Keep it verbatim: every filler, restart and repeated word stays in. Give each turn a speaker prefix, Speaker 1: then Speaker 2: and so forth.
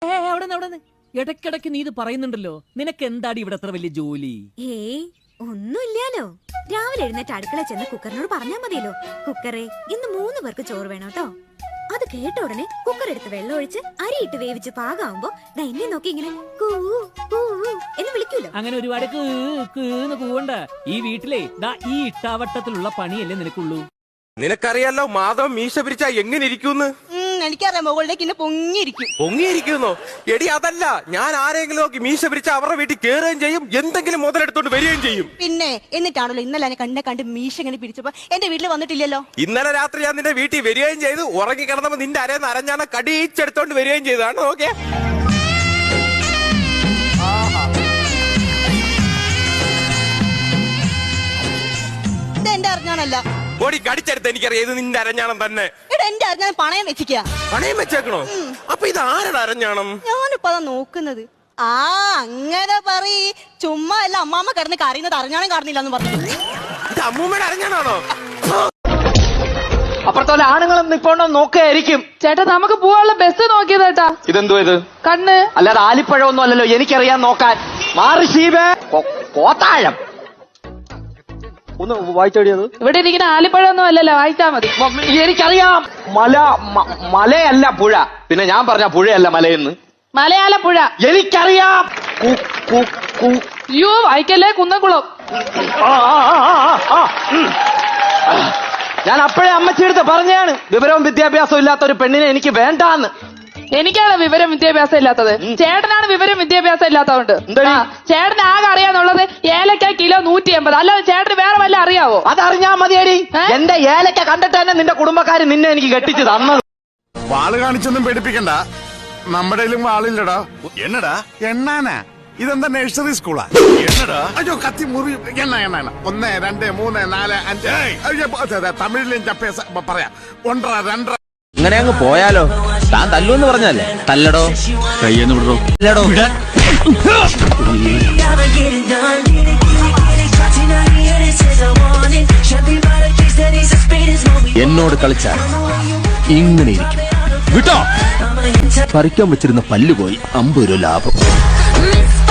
Speaker 1: ഇടയ്ക്കിടയ്ക്ക് നീ ഇത് പറയുന്നുണ്ടല്ലോ, നിനക്ക് എന്താടി ഇവിടെ അത്ര വലിയ ജോലി?
Speaker 2: ഏയ് ഒന്നുമില്ലാലോ. രാവിലെ എഴുന്നേറ്റ് അടുക്കള ചെന്ന് കുക്കറിനോട് പറഞ്ഞാ മതിയല്ലോ, കുക്കറെ ഇന്ന് മൂന്ന് പേർക്ക് ചോറ് വേണം കേട്ടോ. അത് കേട്ട ഉടനെ കുക്കർ എടുത്ത് വെള്ളം ഒഴിച്ച് അരിയിട്ട് വേവിച്ച് പാകാവുമ്പോ എന്നെ നോക്കി ഇങ്ങനെ കൂ കൂ എന്ന് വിളിക്കൂലോ.
Speaker 1: അങ്ങനെ ഒരുപാട് കീന്ന് കൂവണ്ട. ഈ വീട്ടിലെ ദാ ഈ ഇട്ടാവട്ടത്തിലുള്ള പണിയല്ലേ നിനക്കുള്ളൂ.
Speaker 3: നിനക്കറിയാലോ മാധവൻ മീശ പിരിച്ചാ എങ്ങനെ ഇരിക്കൂന്ന്?
Speaker 4: എനിക്കറിയാം, മുകളിലേക്ക് ഇന്ന് പൊങ്ങിയിരിക്കും.
Speaker 3: പൊങ്ങിയിരിക്കുന്നോ? എടി അതല്ല, ഞാൻ ആരെങ്കിലും നോക്കി മീശ പിരിച്ച അവരുടെ വീട്ടിൽ കയറുകയും ചെയ്യും, എന്തെങ്കിലും മുതലെടുത്തോണ്ട് വരികയും ചെയ്യും.
Speaker 4: പിന്നെ എന്നിട്ടാണല്ലോ ഇന്നലെ എന്നെ കണ്ടെ കണ്ട് മീശ ഇങ്ങനെ പിരിച്ചപ്പോ എന്റെ വീട്ടിൽ വന്നിട്ടില്ലല്ലോ.
Speaker 3: ഇന്നലെ രാത്രി ഞാൻ നിന്റെ വീട്ടിൽ വരികയും ചെയ്തു, ഉറങ്ങി കിടന്നപ്പോ നിന്റെ അരേന്ന് അരഞ്ഞാണ് കടിച്ചെടുത്തോണ്ട് വരികയും ചെയ്തതാണ്. നോക്കിയേ,
Speaker 4: എന്റെ അറിഞ്ഞാണല്ല
Speaker 3: ഓടി കടിച്ചെടുത്ത്. എനിക്കറിയാം ഇത് നിന്റെ അരഞ്ഞാണം തന്നെ.
Speaker 4: എന്റെ അറിഞ്ഞാണ് പണയം വെച്ചിക്ക.
Speaker 3: പണയം വെച്ചേക്കണോ? അപ്പൊ ഇത് ആരുടെ അരഞ്ഞാണം?
Speaker 4: ഞാനിപ്പോ അതാ നോക്കുന്നത്. ആ അങ്ങനെ പറയ്, ചുമ്മാ അല്ല അമ്മാമ്മ കിടന്ന് കറിയുന്നത് അറിഞ്ഞാണം കാണുന്നില്ല എന്ന് പറഞ്ഞു.
Speaker 3: ഇത് അമ്മൂമ്മയുടെ അരഞ്ഞാണോ?
Speaker 5: അപ്പുറത്തോലെ ആണുങ്ങളും നിപ്പോണ്ടോ നോക്കായിരിക്കും.
Speaker 6: ചേട്ടാ നമുക്ക് പോവാനുള്ള ബസ് നോക്കിയതേട്ടാ.
Speaker 5: ഇതെന്തോ ഇത്?
Speaker 6: കണ്ണ്.
Speaker 5: അല്ലാതെ ആലിപ്പഴമൊന്നും അല്ലല്ലോ, എനിക്കറിയാൻ നോക്കാൻ. മാറി ഷീബേ, കോത്താഴം ഒന്ന് വായിച്ചോടിയത്.
Speaker 6: ഇവിടെ ഇരിക്കുന്ന ആലിപ്പഴമൊന്നും അല്ലല്ലോ, വായിച്ചാ മതി.
Speaker 5: എനിക്കറിയാം, മല മലയല്ല പുഴ. പിന്നെ ഞാൻ പറഞ്ഞ പുഴയല്ല മലയെന്ന്.
Speaker 6: മലയാള പുഴ
Speaker 5: എനിക്കറിയാം.
Speaker 6: യു വായിക്കല്ലേ, കുന്നംകുളം.
Speaker 5: ഞാൻ അപ്പോഴേ അമ്മച്ചിയെടുത്ത് പറഞ്ഞാണ്, വിവരവും വിദ്യാഭ്യാസവും ഇല്ലാത്ത ഒരു പെണ്ണിനെ എനിക്ക് വേണ്ടാന്ന്.
Speaker 6: എനിക്കാണ് വിവരം വിദ്യാഭ്യാസം ഇല്ലാത്തത്. ചേട്ടനാണ് വിവരം വിദ്യാഭ്യാസം ഇല്ലാത്തതുകൊണ്ട്. ചേട്ടന് ആകെ അറിയാന്നുള്ളത് ഏലക്ക കിലോ നൂറ്റി എൺപത്. അല്ലാതെ ചേട്ടന് വേറെ വല്ല അറിയാവോ?
Speaker 5: അതറിഞ്ഞാ മതിയടി. എന്റെ ഏലക്ക കണ്ടിട്ട് തന്നെ നിന്റെ കുടുംബക്കാര് നിന്നെ എനിക്ക് കെട്ടിച്ചു തന്നത്.
Speaker 7: വാള് കാണിച്ചൊന്നും പേടിപ്പിക്കണ്ട, നമ്മുടെ വാളില്ലടാ. എന്നടാ എണ്ണാനാ? ഇതെന്താ നഴ്സറി സ്കൂളാ? എന്നടാ? അയ്യോ കത്തി മുറി. എണ്ണ എണ്ണ എണ്ണ ഒന്ന് രണ്ട് മൂന്ന് നാല് അഞ്ച്. തമിഴിലും ചപ്പേസ പറയാം. ഒന്നര രണ്ടര.
Speaker 8: ഇങ്ങനെ അങ്ങ് പോയാലോ? താൻ തല്ലൂന്ന് പറഞ്ഞല്ലേ? തല്ലടോ, കയ്യെന്ന് വിടറോ. എന്നോട് കളിച്ചാൽ ഇങ്ങനെ ഇരിക്കും. വിട്ടോ, പറിക്കാൻ വെച്ചിരുന്ന പല്ലുപോയി. അമ്പത് രൂപ ലാഭം.